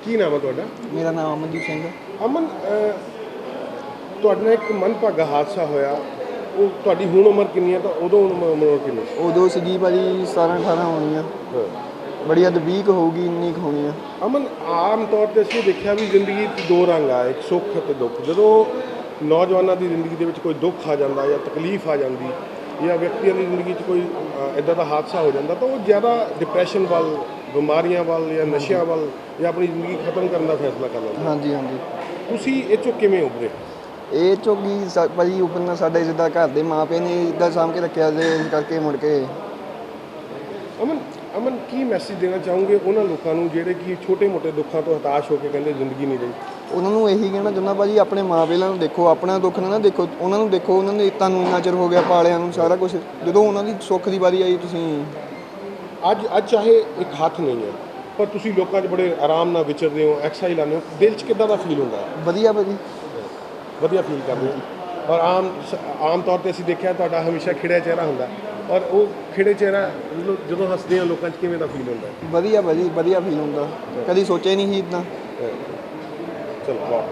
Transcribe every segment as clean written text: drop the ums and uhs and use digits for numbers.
ਕੀ ਨਾਮ ਹੈ ਤੁਹਾਡਾ? ਮੇਰਾ ਨਾਮ ਅਮਨਦੀਪ ਸਿੰਘ ਹੈ। ਅਮਨ, ਤੁਹਾਡੇ ਨਾਲ ਇੱਕ ਮੰਦਭਾਗਾ ਹਾਦਸਾ ਹੋਇਆ, ਉਹ ਤੁਹਾਡੀ ਹੁਣ ਉਮਰ ਕਿੰਨੀ ਹੈ ਤਾਂ ਉਦੋਂ ਉਮਰ ਕਿੰਨੀ? ਉਦੋਂ ਸੀਗੀ ਭਾਜੀ 17-18 ਹੋਣੀ ਆ, ਬੜੀ ਹੱਦ 20 ਕੁ ਹੋਊਗੀ, ਇੰਨੀ ਕੁ ਹੋਣੀ ਆ। ਅਮਨ, ਆਮ ਤੌਰ 'ਤੇ ਅਸੀਂ ਦੇਖਿਆ ਵੀ ਜ਼ਿੰਦਗੀ 'ਚ ਦੋ ਰੰਗ ਆ, ਇੱਕ ਸੁੱਖ ਅਤੇ ਦੁੱਖ। ਜਦੋਂ ਨੌਜਵਾਨਾਂ ਦੀ ਜ਼ਿੰਦਗੀ ਦੇ ਵਿੱਚ ਕੋਈ ਦੁੱਖ ਆ ਜਾਂਦਾ ਜਾਂ ਤਕਲੀਫ ਆ ਜਾਂਦੀ ਜਾਂ ਵਿਅਕਤੀਆਂ ਦੀ ਜ਼ਿੰਦਗੀ 'ਚ ਕੋਈ ਇੱਦਾਂ ਦਾ ਹਾਦਸਾ ਹੋ ਜਾਂਦਾ ਤਾਂ ਉਹ ਜ਼ਿਆਦਾ ਡਿਪਰੈਸ਼ਨ ਵੱਲ, ਬਿਮਾਰੀਆਂ ਵੱਲ ਜਾਂ ਨਸ਼ਿਆਂ ਵੱਲ ਜਾਂ ਆਪਣੀ ਜ਼ਿੰਦਗੀ ਖਤਮ ਕਰਨ ਦਾ ਫੈਸਲਾ ਕਰ ਲੈਂਦੇ। ਹਾਂਜੀ ਹਾਂਜੀ। ਤੁਸੀਂ ਇਹ 'ਚੋਂ ਕਿਵੇਂ ਉੱਭਰੇ? ਇਹ ਚੋਗੀ ਭਾਜੀ ਉੱਪਰ ਸਾਡੇ ਜਿੱਦਾਂ ਘਰ ਦੇ ਮਾਂ ਪਿਓ ਨੇ ਇੱਦਾਂ ਸਾਂਭ ਕੇ ਰੱਖਿਆ ਤੇ ਇਸ ਕਰਕੇ ਮੁੜ ਕੇ। ਅਮਨ, ਕੀ ਮੈਸੇਜ ਦੇਣਾ ਚਾਹੋਗੇ ਉਹਨਾਂ ਲੋਕਾਂ ਨੂੰ ਜਿਹੜੇ ਕਿ ਛੋਟੇ-ਮੋਟੇ ਦੁੱਖਾਂ ਤੋਂ ਹਤਾਸ਼ ਹੋ ਕੇ ਕਹਿੰਦੇ ਜ਼ਿੰਦਗੀ ਨਹੀਂ ਰਹੀ? ਉਹਨਾਂ ਨੂੰ ਇਹੀ ਕਹਿਣਾ ਚਾਹੁੰਦਾ ਭਾਜੀ, ਆਪਣੇ ਮਾਂ ਪਿਓ ਨੂੰ ਦੇਖੋ, ਆਪਣਾ ਦੁੱਖ ਨਾ ਦੇਖੋ, ਉਹਨਾਂ ਨੂੰ ਦੇਖੋ। ਉਹਨਾਂ ਨੇ ਤੁਹਾਨੂੰ ਇੰਨਾ ਚਿਰ ਹੋ ਗਿਆ ਪਾਲਿਆਂ ਨੂੰ, ਸਾਰਾ ਕੁਝ, ਜਦੋਂ ਉਹਨਾਂ ਦੀ ਸੁੱਖ ਦੀ ਵਾਰੀ ਆਈ ਤੁਸੀਂ ਅੱਜ ਚਾਹੇ ਇੱਕ ਹੱਥ ਨਹੀਂ ਹੈ ਪਰ ਤੁਸੀਂ ਲੋਕਾਂ 'ਚ ਬੜੇ ਆਰਾਮ ਨਾਲ ਵਿਚਰਦੇ ਹੋ, ਐਕਸਰਸਾਈਜ਼ ਲਾਉਂਦੇ ਹੋ, ਦਿਲ 'ਚ ਕਿੱਦਾਂ ਦਾ ਫੀਲ ਹੁੰਦਾ? ਵਧੀਆ ਭਾਜੀ, ਵਧੀਆ ਫੀਲ ਕਰਦੇ ਹੋ। ਔਰ ਆਮ ਤੌਰ 'ਤੇ ਅਸੀਂ ਦੇਖਿਆ ਤੁਹਾਡਾ ਹਮੇਸ਼ਾ ਖਿੜਿਆ ਚਿਹਰਾ ਹੁੰਦਾ, ਔਰ ਉਹ ਖਿੜੇ ਚਿਹਰਾ ਜਦੋਂ ਹੱਸਦੇ ਆ ਲੋਕਾਂ 'ਚ ਕਿਵੇਂ ਦਾ ਫੀਲ ਹੁੰਦਾ? ਵਧੀਆ ਭਾਜੀ, ਵਧੀਆ ਫੀਲ ਹੁੰਦਾ। ਕਦੀ ਸੋਚਿਆ ਨਹੀਂ ਸੀ ਇੱਦਾਂ। ਚਲੋ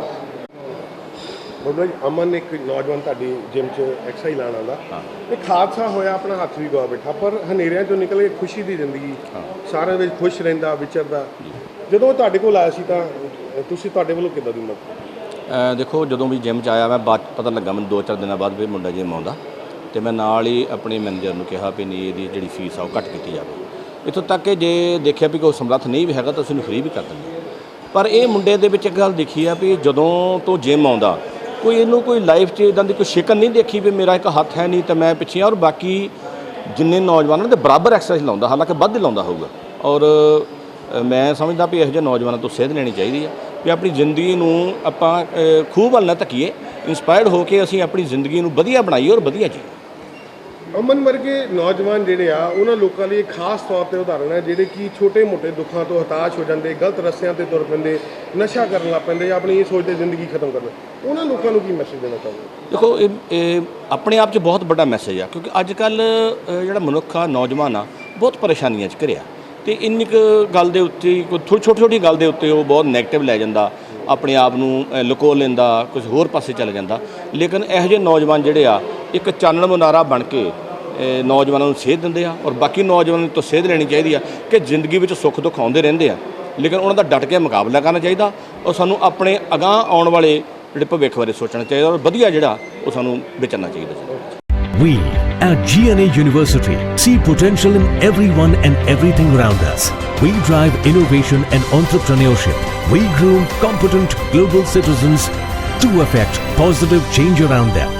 ਬਾਬਾ ਜੀ, ਅਮਨ ਇੱਕ ਨੌਜਵਾਨ ਤੁਹਾਡੀ ਜਿਮ 'ਚ ਐਕਸਰਸਾਈਜ਼ ਲਾਉਣ ਆਉਂਦਾ, ਇੱਕ ਹਾਦਸਾ ਹੋਇਆ, ਆਪਣਾ ਹੱਥ ਵੀ ਗਵਾ ਬੈਠਾ, ਪਰ ਹਨੇਰਿਆਂ 'ਚੋਂ ਨਿਕਲ ਕੇ ਖੁਸ਼ੀ ਦੀ ਜ਼ਿੰਦਗੀ, ਸਾਰਿਆਂ ਵਿੱਚ ਖੁਸ਼ ਰਹਿੰਦਾ, ਵਿਚਰਦਾ। ਜਦੋਂ ਤੁਹਾਡੇ ਕੋਲ ਆਇਆ ਸੀ ਤਾਂ ਤੁਹਾਡੇ ਵੱਲੋਂ ਕਿੱਦਾਂ ਦੀ ਮਦਦ? ਦੇਖੋ, ਜਦੋਂ ਵੀ ਜਿਮ 'ਚ ਆਇਆ ਮੈਂ ਬਾਅਦ ਪਤਾ ਲੱਗਾ ਮੈਨੂੰ 2-4 ਦਿਨਾਂ ਬਾਅਦ ਵੀ ਮੁੰਡਾ ਜਿਮ ਆਉਂਦਾ, ਅਤੇ ਮੈਂ ਨਾਲ ਹੀ ਆਪਣੇ ਮੈਨੇਜਰ ਨੂੰ ਕਿਹਾ ਵੀ ਨਹੀਂ, ਇਹਦੀ ਜਿਹੜੀ ਫੀਸ ਆ ਉਹ ਘੱਟ ਕੀਤੀ ਜਾਵੇ। ਇੱਥੋਂ ਤੱਕ ਕਿ ਜੇ ਦੇਖਿਆ ਵੀ ਕੋਈ ਸਮਰੱਥ ਨਹੀਂ ਵੀ ਹੈਗਾ ਤਾਂ ਅਸੀਂ ਉਹਨੂੰ ਫ੍ਰੀ ਵੀ ਕਰ ਦਿੰਦੇ। ਪਰ ਇਹ ਮੁੰਡੇ ਦੇ ਵਿੱਚ ਇੱਕ ਗੱਲ ਦੇਖੀ ਆ ਵੀ ਜਦੋਂ ਤੋਂ ਜਿਮ ਆਉਂਦਾ ਕੋਈ ਲਾਈਫ 'ਚ ਇੱਦਾਂ ਦੀ ਕੋਈ ਸ਼ਿਕਨ ਨਹੀਂ ਦੇਖੀ ਵੀ ਮੇਰਾ ਇੱਕ ਹੱਥ ਹੈ ਨਹੀਂ ਤਾਂ ਮੈਂ ਪਿੱਛੇ। ਔਰ ਬਾਕੀ ਜਿੰਨੇ ਨੌਜਵਾਨਾਂ ਦੇ ਬਰਾਬਰ ਐਕਸਰਸਾਈਜ਼ ਲਾਉਂਦਾ, ਹਾਲਾਂਕਿ ਵੱਧ ਲਾਉਂਦਾ ਹੋਊਗਾ। ਔਰ ਮੈਂ ਸਮਝਦਾ ਵੀ ਇਹੋ ਜਿਹੇ ਨੌਜਵਾਨਾਂ ਤੋਂ ਸੇਧ ਲੈਣੀ ਚਾਹੀਦੀ ਆ ਵੀ ਆਪਣੀ ਜ਼ਿੰਦਗੀ ਨੂੰ ਆਪਾਂ ਖੂਹ ਵੱਲ ਨਾ ਧੱਕੀਏ, ਇੰਸਪਾਇਰਡ ਹੋ ਕੇ ਅਸੀਂ ਆਪਣੀ ਜ਼ਿੰਦਗੀ ਨੂੰ ਵਧੀਆ ਬਣਾਈਏ ਔਰ ਵਧੀਆ ਜੀਏ। ਅਮਨ ਵਰਗੇ ਨੌਜਵਾਨ ਜਿਹੜੇ ਆ ਉਹਨਾਂ ਲੋਕਾਂ ਲਈ ਖਾਸ ਤੌਰ 'ਤੇ ਉਦਾਹਰਣ ਹੈ ਜਿਹੜੇ ਕਿ ਛੋਟੇ-ਮੋਟੇ ਦੁੱਖਾਂ ਤੋਂ ਹਤਾਸ਼ ਹੋ ਜਾਂਦੇ, ਗਲਤ ਰਸਤਿਆਂ 'ਤੇ ਤੁਰ ਪੈਂਦੇ, ਨਸ਼ਾ ਕਰਨ ਲੱਗ ਪੈਂਦੇ, ਆਪਣੀ ਇਹ ਸੋਚਦੇ ਜ਼ਿੰਦਗੀ ਖਤਮ ਕਰ ਲੈਂਦੇ। ਉਹਨਾਂ ਲੋਕਾਂ ਨੂੰ ਕੀ ਮੈਸੇਜ ਦੇਣਾ ਚਾਹੁੰਦੇ? ਦੇਖੋ, ਇਹ ਆਪਣੇ ਆਪ 'ਚ ਬਹੁਤ ਵੱਡਾ ਮੈਸੇਜ ਆ, ਕਿਉਂਕਿ ਅੱਜ ਕੱਲ੍ਹ ਜਿਹੜਾ ਮਨੁੱਖ ਆ, ਨੌਜਵਾਨ ਆ, ਬਹੁਤ ਪਰੇਸ਼ਾਨੀਆਂ 'ਚ ਘਿਰਿਆ, ਅਤੇ ਇੰਨੀ ਕੁ ਗੱਲ ਦੇ ਉੱਤੇ, ਕੋਈ ਛੋਟੀ ਗੱਲ ਦੇ ਉੱਤੇ ਉਹ ਬਹੁਤ ਨੈਗੇਟਿਵ ਲੈ ਜਾਂਦਾ, ਆਪਣੇ ਆਪ ਨੂੰ ਲੁਕੋ ਲੈਂਦਾ, ਕੁਝ ਹੋਰ ਪਾਸੇ ਚਲੇ ਜਾਂਦਾ। ਲੇਕਿਨ ਇਹੋ ਜਿਹੇ ਨੌਜਵਾਨ ਜਿਹੜੇ ਆ ਇੱਕ ਚਾਨਣ ਮੁਨਾਰਾ ਬਣ ਕੇ ਨੌਜਵਾਨਾਂ ਨੂੰ ਸੇਧ ਦਿੰਦੇ ਆ। ਔਰ ਬਾਕੀ ਨੌਜਵਾਨਾਂ ਤੋਂ ਸੇਧ ਲੈਣੀ ਚਾਹੀਦੀ ਆ ਕਿ ਜ਼ਿੰਦਗੀ ਵਿੱਚ ਸੁੱਖ ਦੁੱਖ ਆਉਂਦੇ ਰਹਿੰਦੇ ਆ, ਲੇਕਿਨ ਉਹਨਾਂ ਦਾ ਡਟ ਕੇ ਮੁਕਾਬਲਾ ਕਰਨਾ ਚਾਹੀਦਾ। ਔਰ ਸਾਨੂੰ ਆਪਣੇ ਅਗਾਂਹ ਆਉਣ ਵਾਲੇ ਜਿਹੜੇ ਭਵਿੱਖ ਬਾਰੇ ਸੋਚਣਾ ਚਾਹੀਦਾ ਔਰ ਵਧੀਆ ਜਿਹੜਾ ਉਹ ਸਾਨੂੰ ਵਿਚਰਨਾ ਚਾਹੀਦਾ। We at GNA University see potential in everyone and everything around us. We drive innovation and entrepreneurship. We groom competent global citizens to affect positive change around them.